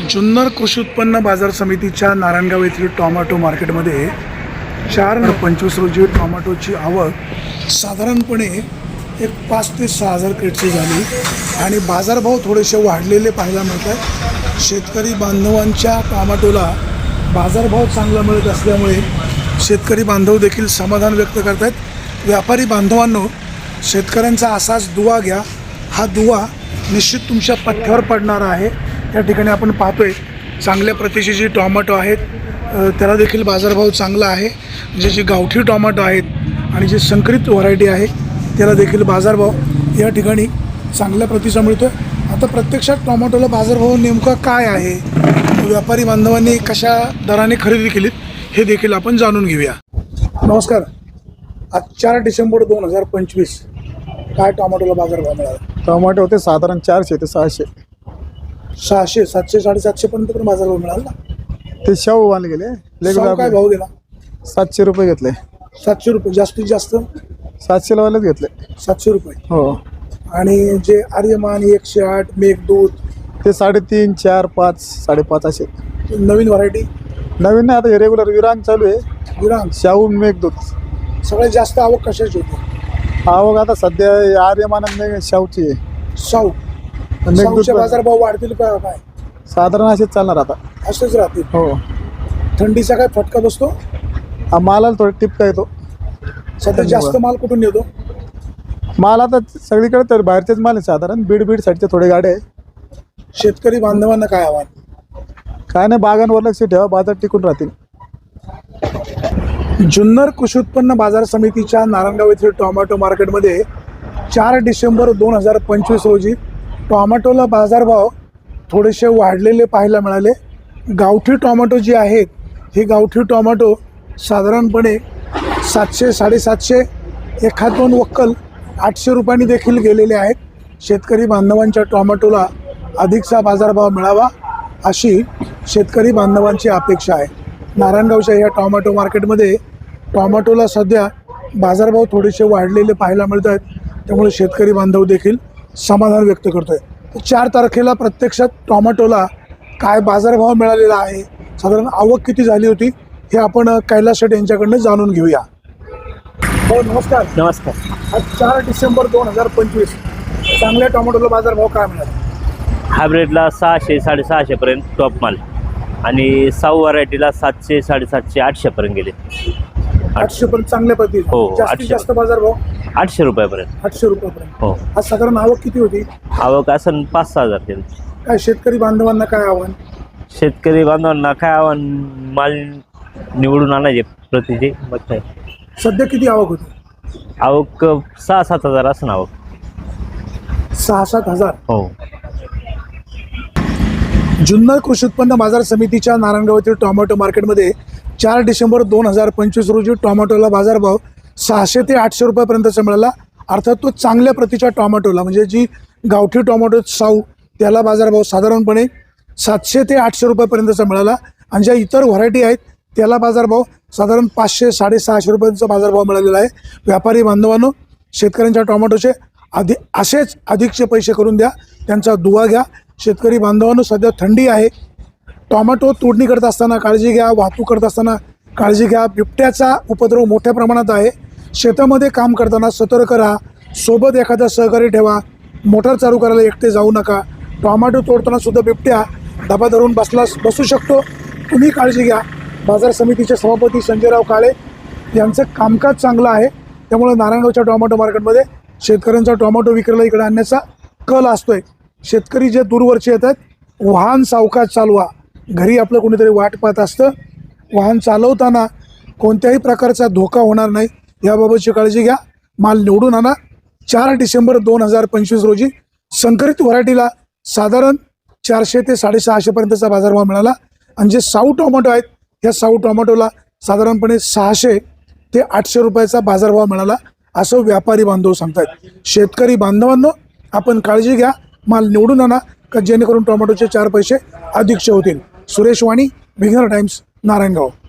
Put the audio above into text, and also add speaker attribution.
Speaker 1: जुन्नर कृषी उत्पन्न बाजार समितीच्या नारायणगाव येथील टोमॅटो मार्केटमध्ये 4/25 रोजी टोमॅटोची आवक साधारणपणे एक 5 ते 6 हजार क्रेटची झाली आणि बाजारभाव थोडेसे वाढलेले पाहायला मिळतात। शेतकरी बांधवांच्या टोमॅटोला बाजारभाव चांगला मिळत असल्यामुळे शेतकरी बांधव देखील समाधान व्यक्त करतात। व्यापारी बांधवांनो, शेतकऱ्यांचा असाच दुवा घ्या, हा दुवा निश्चित तुमच्या पथ्यावर पडणार आहे। त्या ठिकाणी आपण पाहतोय चांगल्या प्रतीची जी टोमॅटो आहेत त्याला देखील बाजारभाव चांगला आहे। म्हणजे जे गावठी टोमॅटो आहेत आणि जे संकरित व्हरायटी आहे त्याला देखील बाजारभाव या ठिकाणी चांगल्या प्रतीचा मिळतोय। आता प्रत्यक्षात टोमॅटोला बाजारभाव नेमका काय आहे, व्यापारी बांधवांनी कशा दराने खरेदी केली हे देखील आपण जाणून घेऊया। नमस्कार, आज 4 डिसेंबर 2025 काय टोमॅटोला बाजारभाव मिळाला?
Speaker 2: टोमॅटो होते साधारण 400 ते 600,
Speaker 1: 600, 700, 750 पर्यंत पण बाजारभाव मिळाला।
Speaker 2: ते शाहू वाले गेले
Speaker 1: शाहू काय भाव गेला?
Speaker 2: 700 रुपये घेतले।
Speaker 1: 700 रुपये जास्तीत जास्त
Speaker 2: 700 वालेच घेतले।
Speaker 1: 700 रुपये
Speaker 2: हो।
Speaker 1: आणि जे आर्यमान 108 मेघदूत
Speaker 2: ते 3.5, 4, 5, 5.5 असे
Speaker 1: नवीन व्हरायटी?
Speaker 2: नवीन नाही, आता हे रेग्युलर विरांग चालू आहे।
Speaker 1: विरांग,
Speaker 2: शाहू, मेघदूत
Speaker 1: सगळ्यात जास्त आवक कशाची होती?
Speaker 2: आवक आता सध्या आर्यमान आणि शाहूची आहे।
Speaker 1: शाहू, शाहूचे बाजारभाव वाढतील का काय?
Speaker 2: साधारण असेच चालणार आता,
Speaker 1: असेच राहतील।
Speaker 2: हो।
Speaker 1: थंडीचा काय फटका बसतो?
Speaker 2: मालाला थोडा टिपका येतो।
Speaker 1: सध्या जास्त माल कुठून येतो?
Speaker 2: माल आता सगळीकडे तर बाहेरचेच माल आहे, साधारण बीड साईडचे थोडे गाडे आहे।
Speaker 1: शेतकरी बांधवांना काय आव्हान?
Speaker 2: काय नाही, बागांवर लक्ष ठेवा, बाजार टिकून राहतील।
Speaker 1: जुन्नर कृषी उत्पन्न बाजार समितीच्या नारायणगाव येथील टोमॅटो मार्केटमध्ये 4 डिसेंबर 2025 रोजी टोमॅटोला बाजारभाव थोडेसे वाढलेले पाहायला मिळाले। गावठी टोमॅटो जी आहेत ही गावठी टोमॅटो साधारणपणे 700, 750, एखाद दोन वक्कल 800 रुपयांनी देखील गेलेले आहेत। शेतकरी बांधवांच्या टोमॅटोला अधिकचा बाजारभाव मिळावा अशी शेतकरी बांधवांची अपेक्षा आहे। नारायणगावच्या या टोमॅटो मार्केटमध्ये टोमॅटोला सध्या बाजारभाव थोडेसे वाढलेले पाहायला मिळत आहेत, त्यामुळे शेतकरी बांधव देखील समाधान व्यक्त करतोय। 4 तारखेला प्रत्यक्षात टोमॅटोला काय बाजारभाव मिळालेला आहे, साधारण आवक किती झाली होती हे आपण कैलास शेठ यांच्याकडनं जाणून घेऊया। हो, नमस्कार।
Speaker 3: नमस्कार।
Speaker 1: आज 4 डिसेंबर 2025 चांगल्या टोमॅटोला बाजारभाव काय मिळाला?
Speaker 3: हायब्रिडला 600, 650 पर्यंत टॉप माल आणि साऊ व्हरायटीला 700, 750, 800 पर्यंत गेले।
Speaker 1: 800 पर्यंत चांगल्या प्रती।
Speaker 3: हो,
Speaker 1: जास्तीत
Speaker 3: 800
Speaker 1: जास्त बाजारभाव
Speaker 3: 800 रुपयापर्यंत।
Speaker 1: 800 रुपयापर्यंत।
Speaker 3: हो।
Speaker 1: आज साधारण आवक किती होती?
Speaker 3: आवक असं 5-6 हजार केली।
Speaker 1: काय शेतकरी बांधवांना काय आव्हान?
Speaker 3: शेतकरी बांधवांना काय आव्हान, माल निवडून आणायचे प्रतीचे। मग काय
Speaker 1: सध्या किती आवक होती?
Speaker 3: आवक 6-7 हजार असं आवक।
Speaker 1: 6-7 हजार।
Speaker 3: हो।
Speaker 1: जुन्नर कृषी उत्पन्न बाजार समितीच्या नारायणगाव येथील टोमॅटो मार्केटमध्ये 4 डिसेंबर 2025 रोजी टोमॅटोला बाजारभाव 600 ते 800 रुपयापर्यंतचा मिळाला। अर्थात तो चांगल्या प्रतीच्या टोमॅटोला म्हणजे जी गावठी टोमॅटो साऊ त्याला बाजारभाव साधारणपणे 700 ते 800 रुपयापर्यंतचा मिळाला आणि ज्या इतर व्हरायटी आहेत त्याला बाजारभाव साधारण 500, 650 रुपयांचा बाजारभाव मिळालेला आहे। व्यापारी बांधवांनो, शेतकऱ्यांच्या टोमॅटोचे असेच अधिकचे पैसे करून द्या, त्यांचा दुवा घ्या। शेतकरी बांधवांनो, सध्या थंडी आहे, टोमॅटो तोडणी करत असताना काळजी घ्या, वाहतूक करत असताना काळजी घ्या। बिबट्याचा उपद्रव मोठ्या प्रमाणात आहे, शेतामध्ये काम करताना सतर्क राहा, सोबत एखादा सहकारी ठेवा, मोटार चालू करायला एकटे जाऊ नका। टोमॅटो तोडताना सुद्धा बिबट्या डबा धरून बसू शकतो, तुम्ही काळजी घ्या। बाजार समितीचे सभापती संजयराव काळे यांचं कामकाज चांगलं आहे, त्यामुळे नारायणगावच्या टोमॅटो मार्केटमध्ये शेतकऱ्यांचा टोमॅटो विक्रीला इकडे आणण्याचा कल असतोय। शेतकरी जे दूरवरचे येतात, वाहन सावकाश चालवा, घरी आपलं कोणीतरी वाट पाहत असतं, वाहन चालवताना कोणत्याही प्रकारचा धोका होणार नाही याबाबतची काळजी घ्या। माल निवडून आणा। 4 डिसेंबर 2025 रोजी संकरित व्हरायटीला साधारण 400 ते 650 पर्यंतचा बाजारभाव मिळाला आणि जे साऊ टोमॅटो आहेत या साऊ टोमॅटोला साधारणपणे 600 ते 800 रुपयाचा बाजारभाव मिळाला असं व्यापारी बांधव सांगतात। शेतकरी बांधवांनो, आपण काळजी घ्या, माल निवडून आणा का जेणेकरून टोमॅटोचे 4 पैसे अधिकचे होतील। Suresh Wani, Beginner Times, Narayangaon.